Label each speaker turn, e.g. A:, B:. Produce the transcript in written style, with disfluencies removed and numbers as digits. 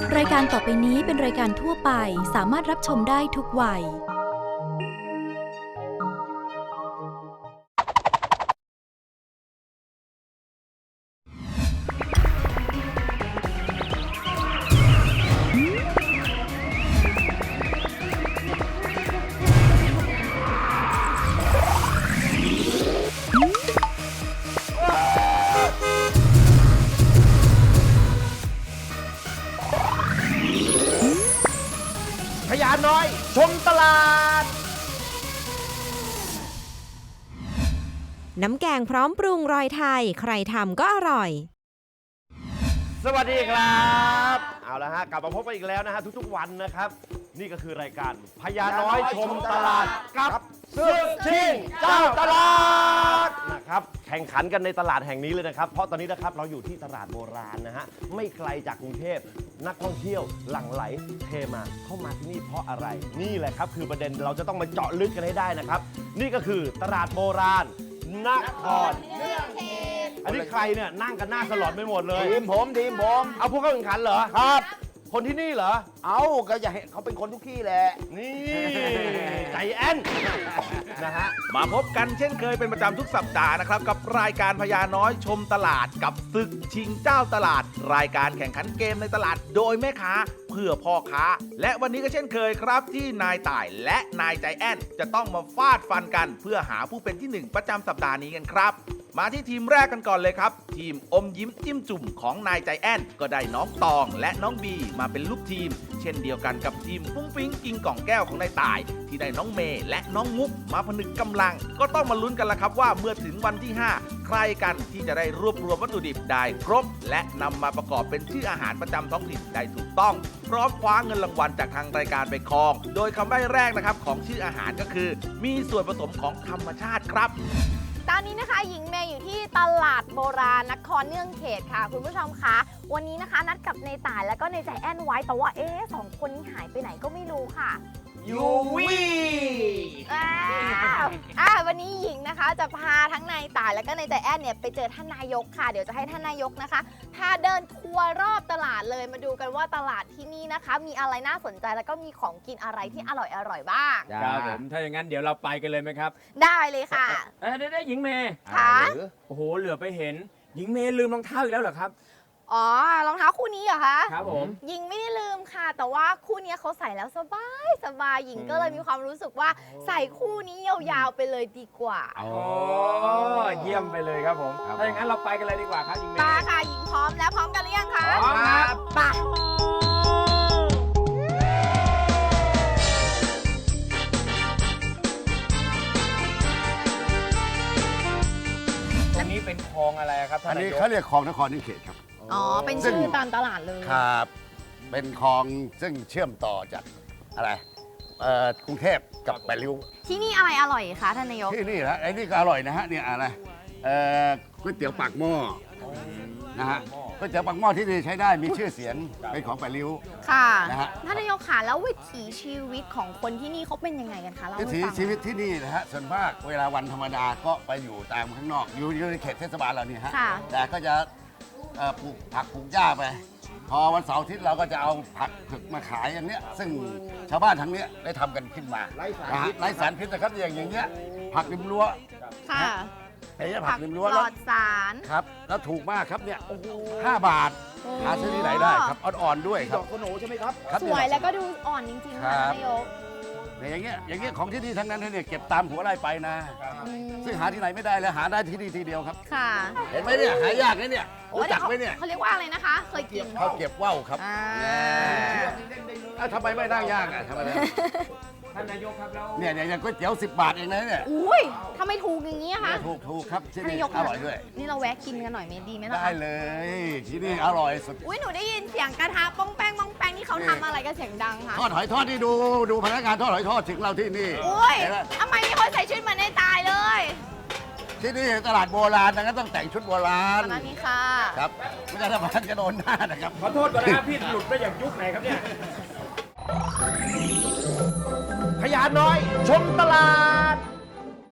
A: รายการต่อไปนี้เป็นรายการทั่วไปสามารถรับชมได้ทุกวัย
B: พญาน้อยชมตลาด
C: น้ำแกงพร้อมปรุงรอยไทยใครทำก็อร่อย
B: สวัสดีครับเอาละฮะกลับมาพบกันอีกแล้วนะฮะทุกๆวันนะครับนี่ก็คือรายการพญาน้อยชมตลาดกับศึกชิงเจ้าตลาดนะครับแข่งขันกันในตลาดแห่งนี้เลยนะครับเพราะตอนนี้นะครับเราอยู่ที่ตลาดโบราณนะฮะไม่ไกลจากกรุงเทพนักท่องเที่ยวหลั่งไหลเทมาเข้ามาที่นี่เพราะอะไรนี่แหละครับคือประเด็นเราจะต้องมาเจาะลึกกันให้ได้นะครับนี่ก็คือตลาดโบราณนครเนื่องเขตอันนี้ใครเนี่ยนั่งกันหน้าสลอนไปหมดเลย
D: ทีมผม
B: เอาพวกเข้าแข่งขันเหรอครับคนที่นี่เหรอ
D: เอาก็จะเห็นเขาเป็นคนทุกที่แหละ
B: นี่ใจแอนนะฮะ
E: มาพบกันเช่นเคยเป็นประจำทุกสัปดาห์นะครับกับรายการพญาน้อยชมตลาดกับศึกชิงเจ้าตลาดรายการแข่งขันเกมในตลาดโดยแม่ค้าเพื่อพ่อค้าและวันนี้ก็เช่นเคยครับที่นายต่ายและนายใจแอนจะต้องมาฟาดฟันกันเพื่อหาผู้เป็นที่1ประจำสัปดาห์นี้กันครับมาที่ทีมแรกกันก่อนเลยครับทีมอมยิ้มจิ้มจุ่มของนายใจแอนก็ได้น้องตองและน้องบีมาเป็นลูกทีมเช่นเดียวกันกับทีมฟุ้งฟิ้งกิงกล่องแก้วของนายต่ายที่ได้น้องเมย์และน้องมุกมาผนึกกำลังก็ต้องมาลุ้นกันละครับว่าเมื่อถึงวันที่5ใครกันที่จะได้รวบรวมวัตถุดิบได้ครบและนำมาประกอบเป็นชื่ออาหารประจำท้องถิ่นได้ถูกต้องพร้อมคว้าเงินรางวัลจากทางรายการไปครองโดยคำใบ้แรกนะครับของชื่ออาหารก็คือมีส่วนผสมของธรรมชาติครับ
F: ตอนนี้นะคะหญิงเมย์อยู่ที่ตลาดโบราณนครเนื่องเขตค่ะคุณผู้ชมคะวันนี้นะคะนัดกับในต่ายแล้วก็ในใจแอนไว้แต่ว่าสองคนนี้หายไปไหนก็ไม่รู้ค่ะ
B: ยูวี่
F: วันนี้หญิงนะคะจะพาทั้งนายต่ายแล้วก็นายใจแอนเนี่ยไปเจอท่านนายกค่ะเดี๋ยวจะให้ท่านนายกนะคะพาเดินทัวร์รอบตลาดเลยมาดูกันว่าตลาดที่นี่นะคะมีอะไรน่าสนใจแล้วก็มีของกินอะไรที่อร่อยบ้าง
D: ครับผมถ้าอย่างนั้นเดี๋ยวเราไปกันเลยไหมครับ
F: ได้เลยค่ะ
D: ได้หญิงเมย์
F: ค่ะ
D: โอ้โหเหลือไปเห็นหญิงเมย์ลืมรองเท้าอีกแล้วเหรอครับ
F: อ๋อรองเท้าคู่นี้เหรอคะ
D: ครับผม
F: หญิงไม่ได้ลืมค่ะแต่ว่าคู่นี้เขาใส่แล้วสบายหญิงก็เลยมีความรู้สึกว่าใส่คู่นี้ยาวๆไปเลยดีกว่า
D: อ๋อเยี่ยมไปเลยครับผมถ้าอย่างนั้นเราไปกันเลยดีกว่าครับหญิงเมย์
F: มาค่ะหญิงพร้อมแล้วพร้อมกันหรือยังคะ
D: พร้อมครับ
F: ไป
D: ตรงนี้เป็นคลองอะไรครับท่านนายก
G: อันนี้เขาเรียกคลองนครนิเขตครับ
F: อ๋อเป็นชื่อตามตลาดเลย
G: ครับเป็นคลองซึ่งเชื่อมต่อจากอะไรกรุงเทพกับแปดริ้ว
F: ที่นี่อะไรอร่อยคะท่านนายก
G: ที่นี่นะไอ้นี่ก็อร่อยนะฮะเนี่ยอะไรก๋วยเตี๋ยวปากหม้อนะฮะก๋วยเตี๋ยวปากหม้อที่นี่ใช้ได้มีชื่อเสียงเป็นของแปดริ้ว
F: ค่ะนะฮะท่านนายกค่ะแล้ววิถีชีวิตของคนที่นี่เขาเป็นยังไงกันคะ
G: วิถีชีวิตที่นี่นะฮะส่วนมากเวลาวันธรรมดาก็ไปอยู่ตามข้างนอกอยู่ในเขตเทศบาลเราเนี่ยฮะแต่ก็จะปลูกผักปลูกหญ้าไปพอวันเสาร์อาทิตย์เราก็จะเอาผักผึกมาขายอย่างเนี้ยซึ่งชาวบ้านทั้งนี้ได้ทำกันขึ้นมาไร้สารพิษนะครับอย่างเงี้ยผักริมรั้ว
F: ค่ะ
G: ไอ้เนี่ยผักริมรั้ว
F: ปลอดสาร
G: ครับแล้วถูกมากครับเนี่ย5 บาทหาซื้อที่ไหนได้ครับอ่อนๆด้วยครับ
D: ดอกโคโนใช่ไหมครับ
F: สวยแล้วก็ดูอ่อนจริงๆค่ะนายก
G: อย่างเงี้ยของที่นี่ทั้งนั้นเนี่ยเก็บตามหัวไร่ไปนะซึ่งหาที่ไหนไม่ได้เลยหาได้ที่นี่ทีเดียวครับ
F: ค่ะ
G: เห็นไหมเนี่ยหายากนะเนี่ยรู้จักไหมเนี่ย
F: เขาเรียกว่าอะไรนะคะเคยกิน
G: เขาเก็บว่าวครับทำไมไม่นั่งยากอ่ะทำไม
D: ท่านนายกครับแล้ว
G: เนี่ยอย่างก๋วยเตี๋ยว10 บาทเองนะเนี่ย
F: อุ้ยทำไมถูกอย่างนี้คะ
G: ถูกครับที่นี่อร่อยด้วย
F: นี่เราแวะกินกันหน่อยไหมดีไหมล่ะ
G: ได้เลยที่นี่อร่อยสุด
F: อุ้ยหนูได้ยินเสียงกระทะป้องแป้งนี่เขาทำอะไรกันเสียงดังคะ
G: ทอดหอยทอดนี่ดูพนักงานทอดหอยทอดถึงเราที่นี่
F: อุ้ยทำไมมีคนใส่ชุดเหมือนในตายเลย
G: ที่นี่ตลาดโบราณนะก็ต้องแต่งชุดโบราณ
F: นั่นนี่ค่ะ
G: ครับไม่ได้ทำมันจะโดนหน้านะครับ
D: ขอโทษก่อนนะครับพี่หลุดไปอย่างยุคไหนครับเนี่ย
B: พญาน้อยชมตลาด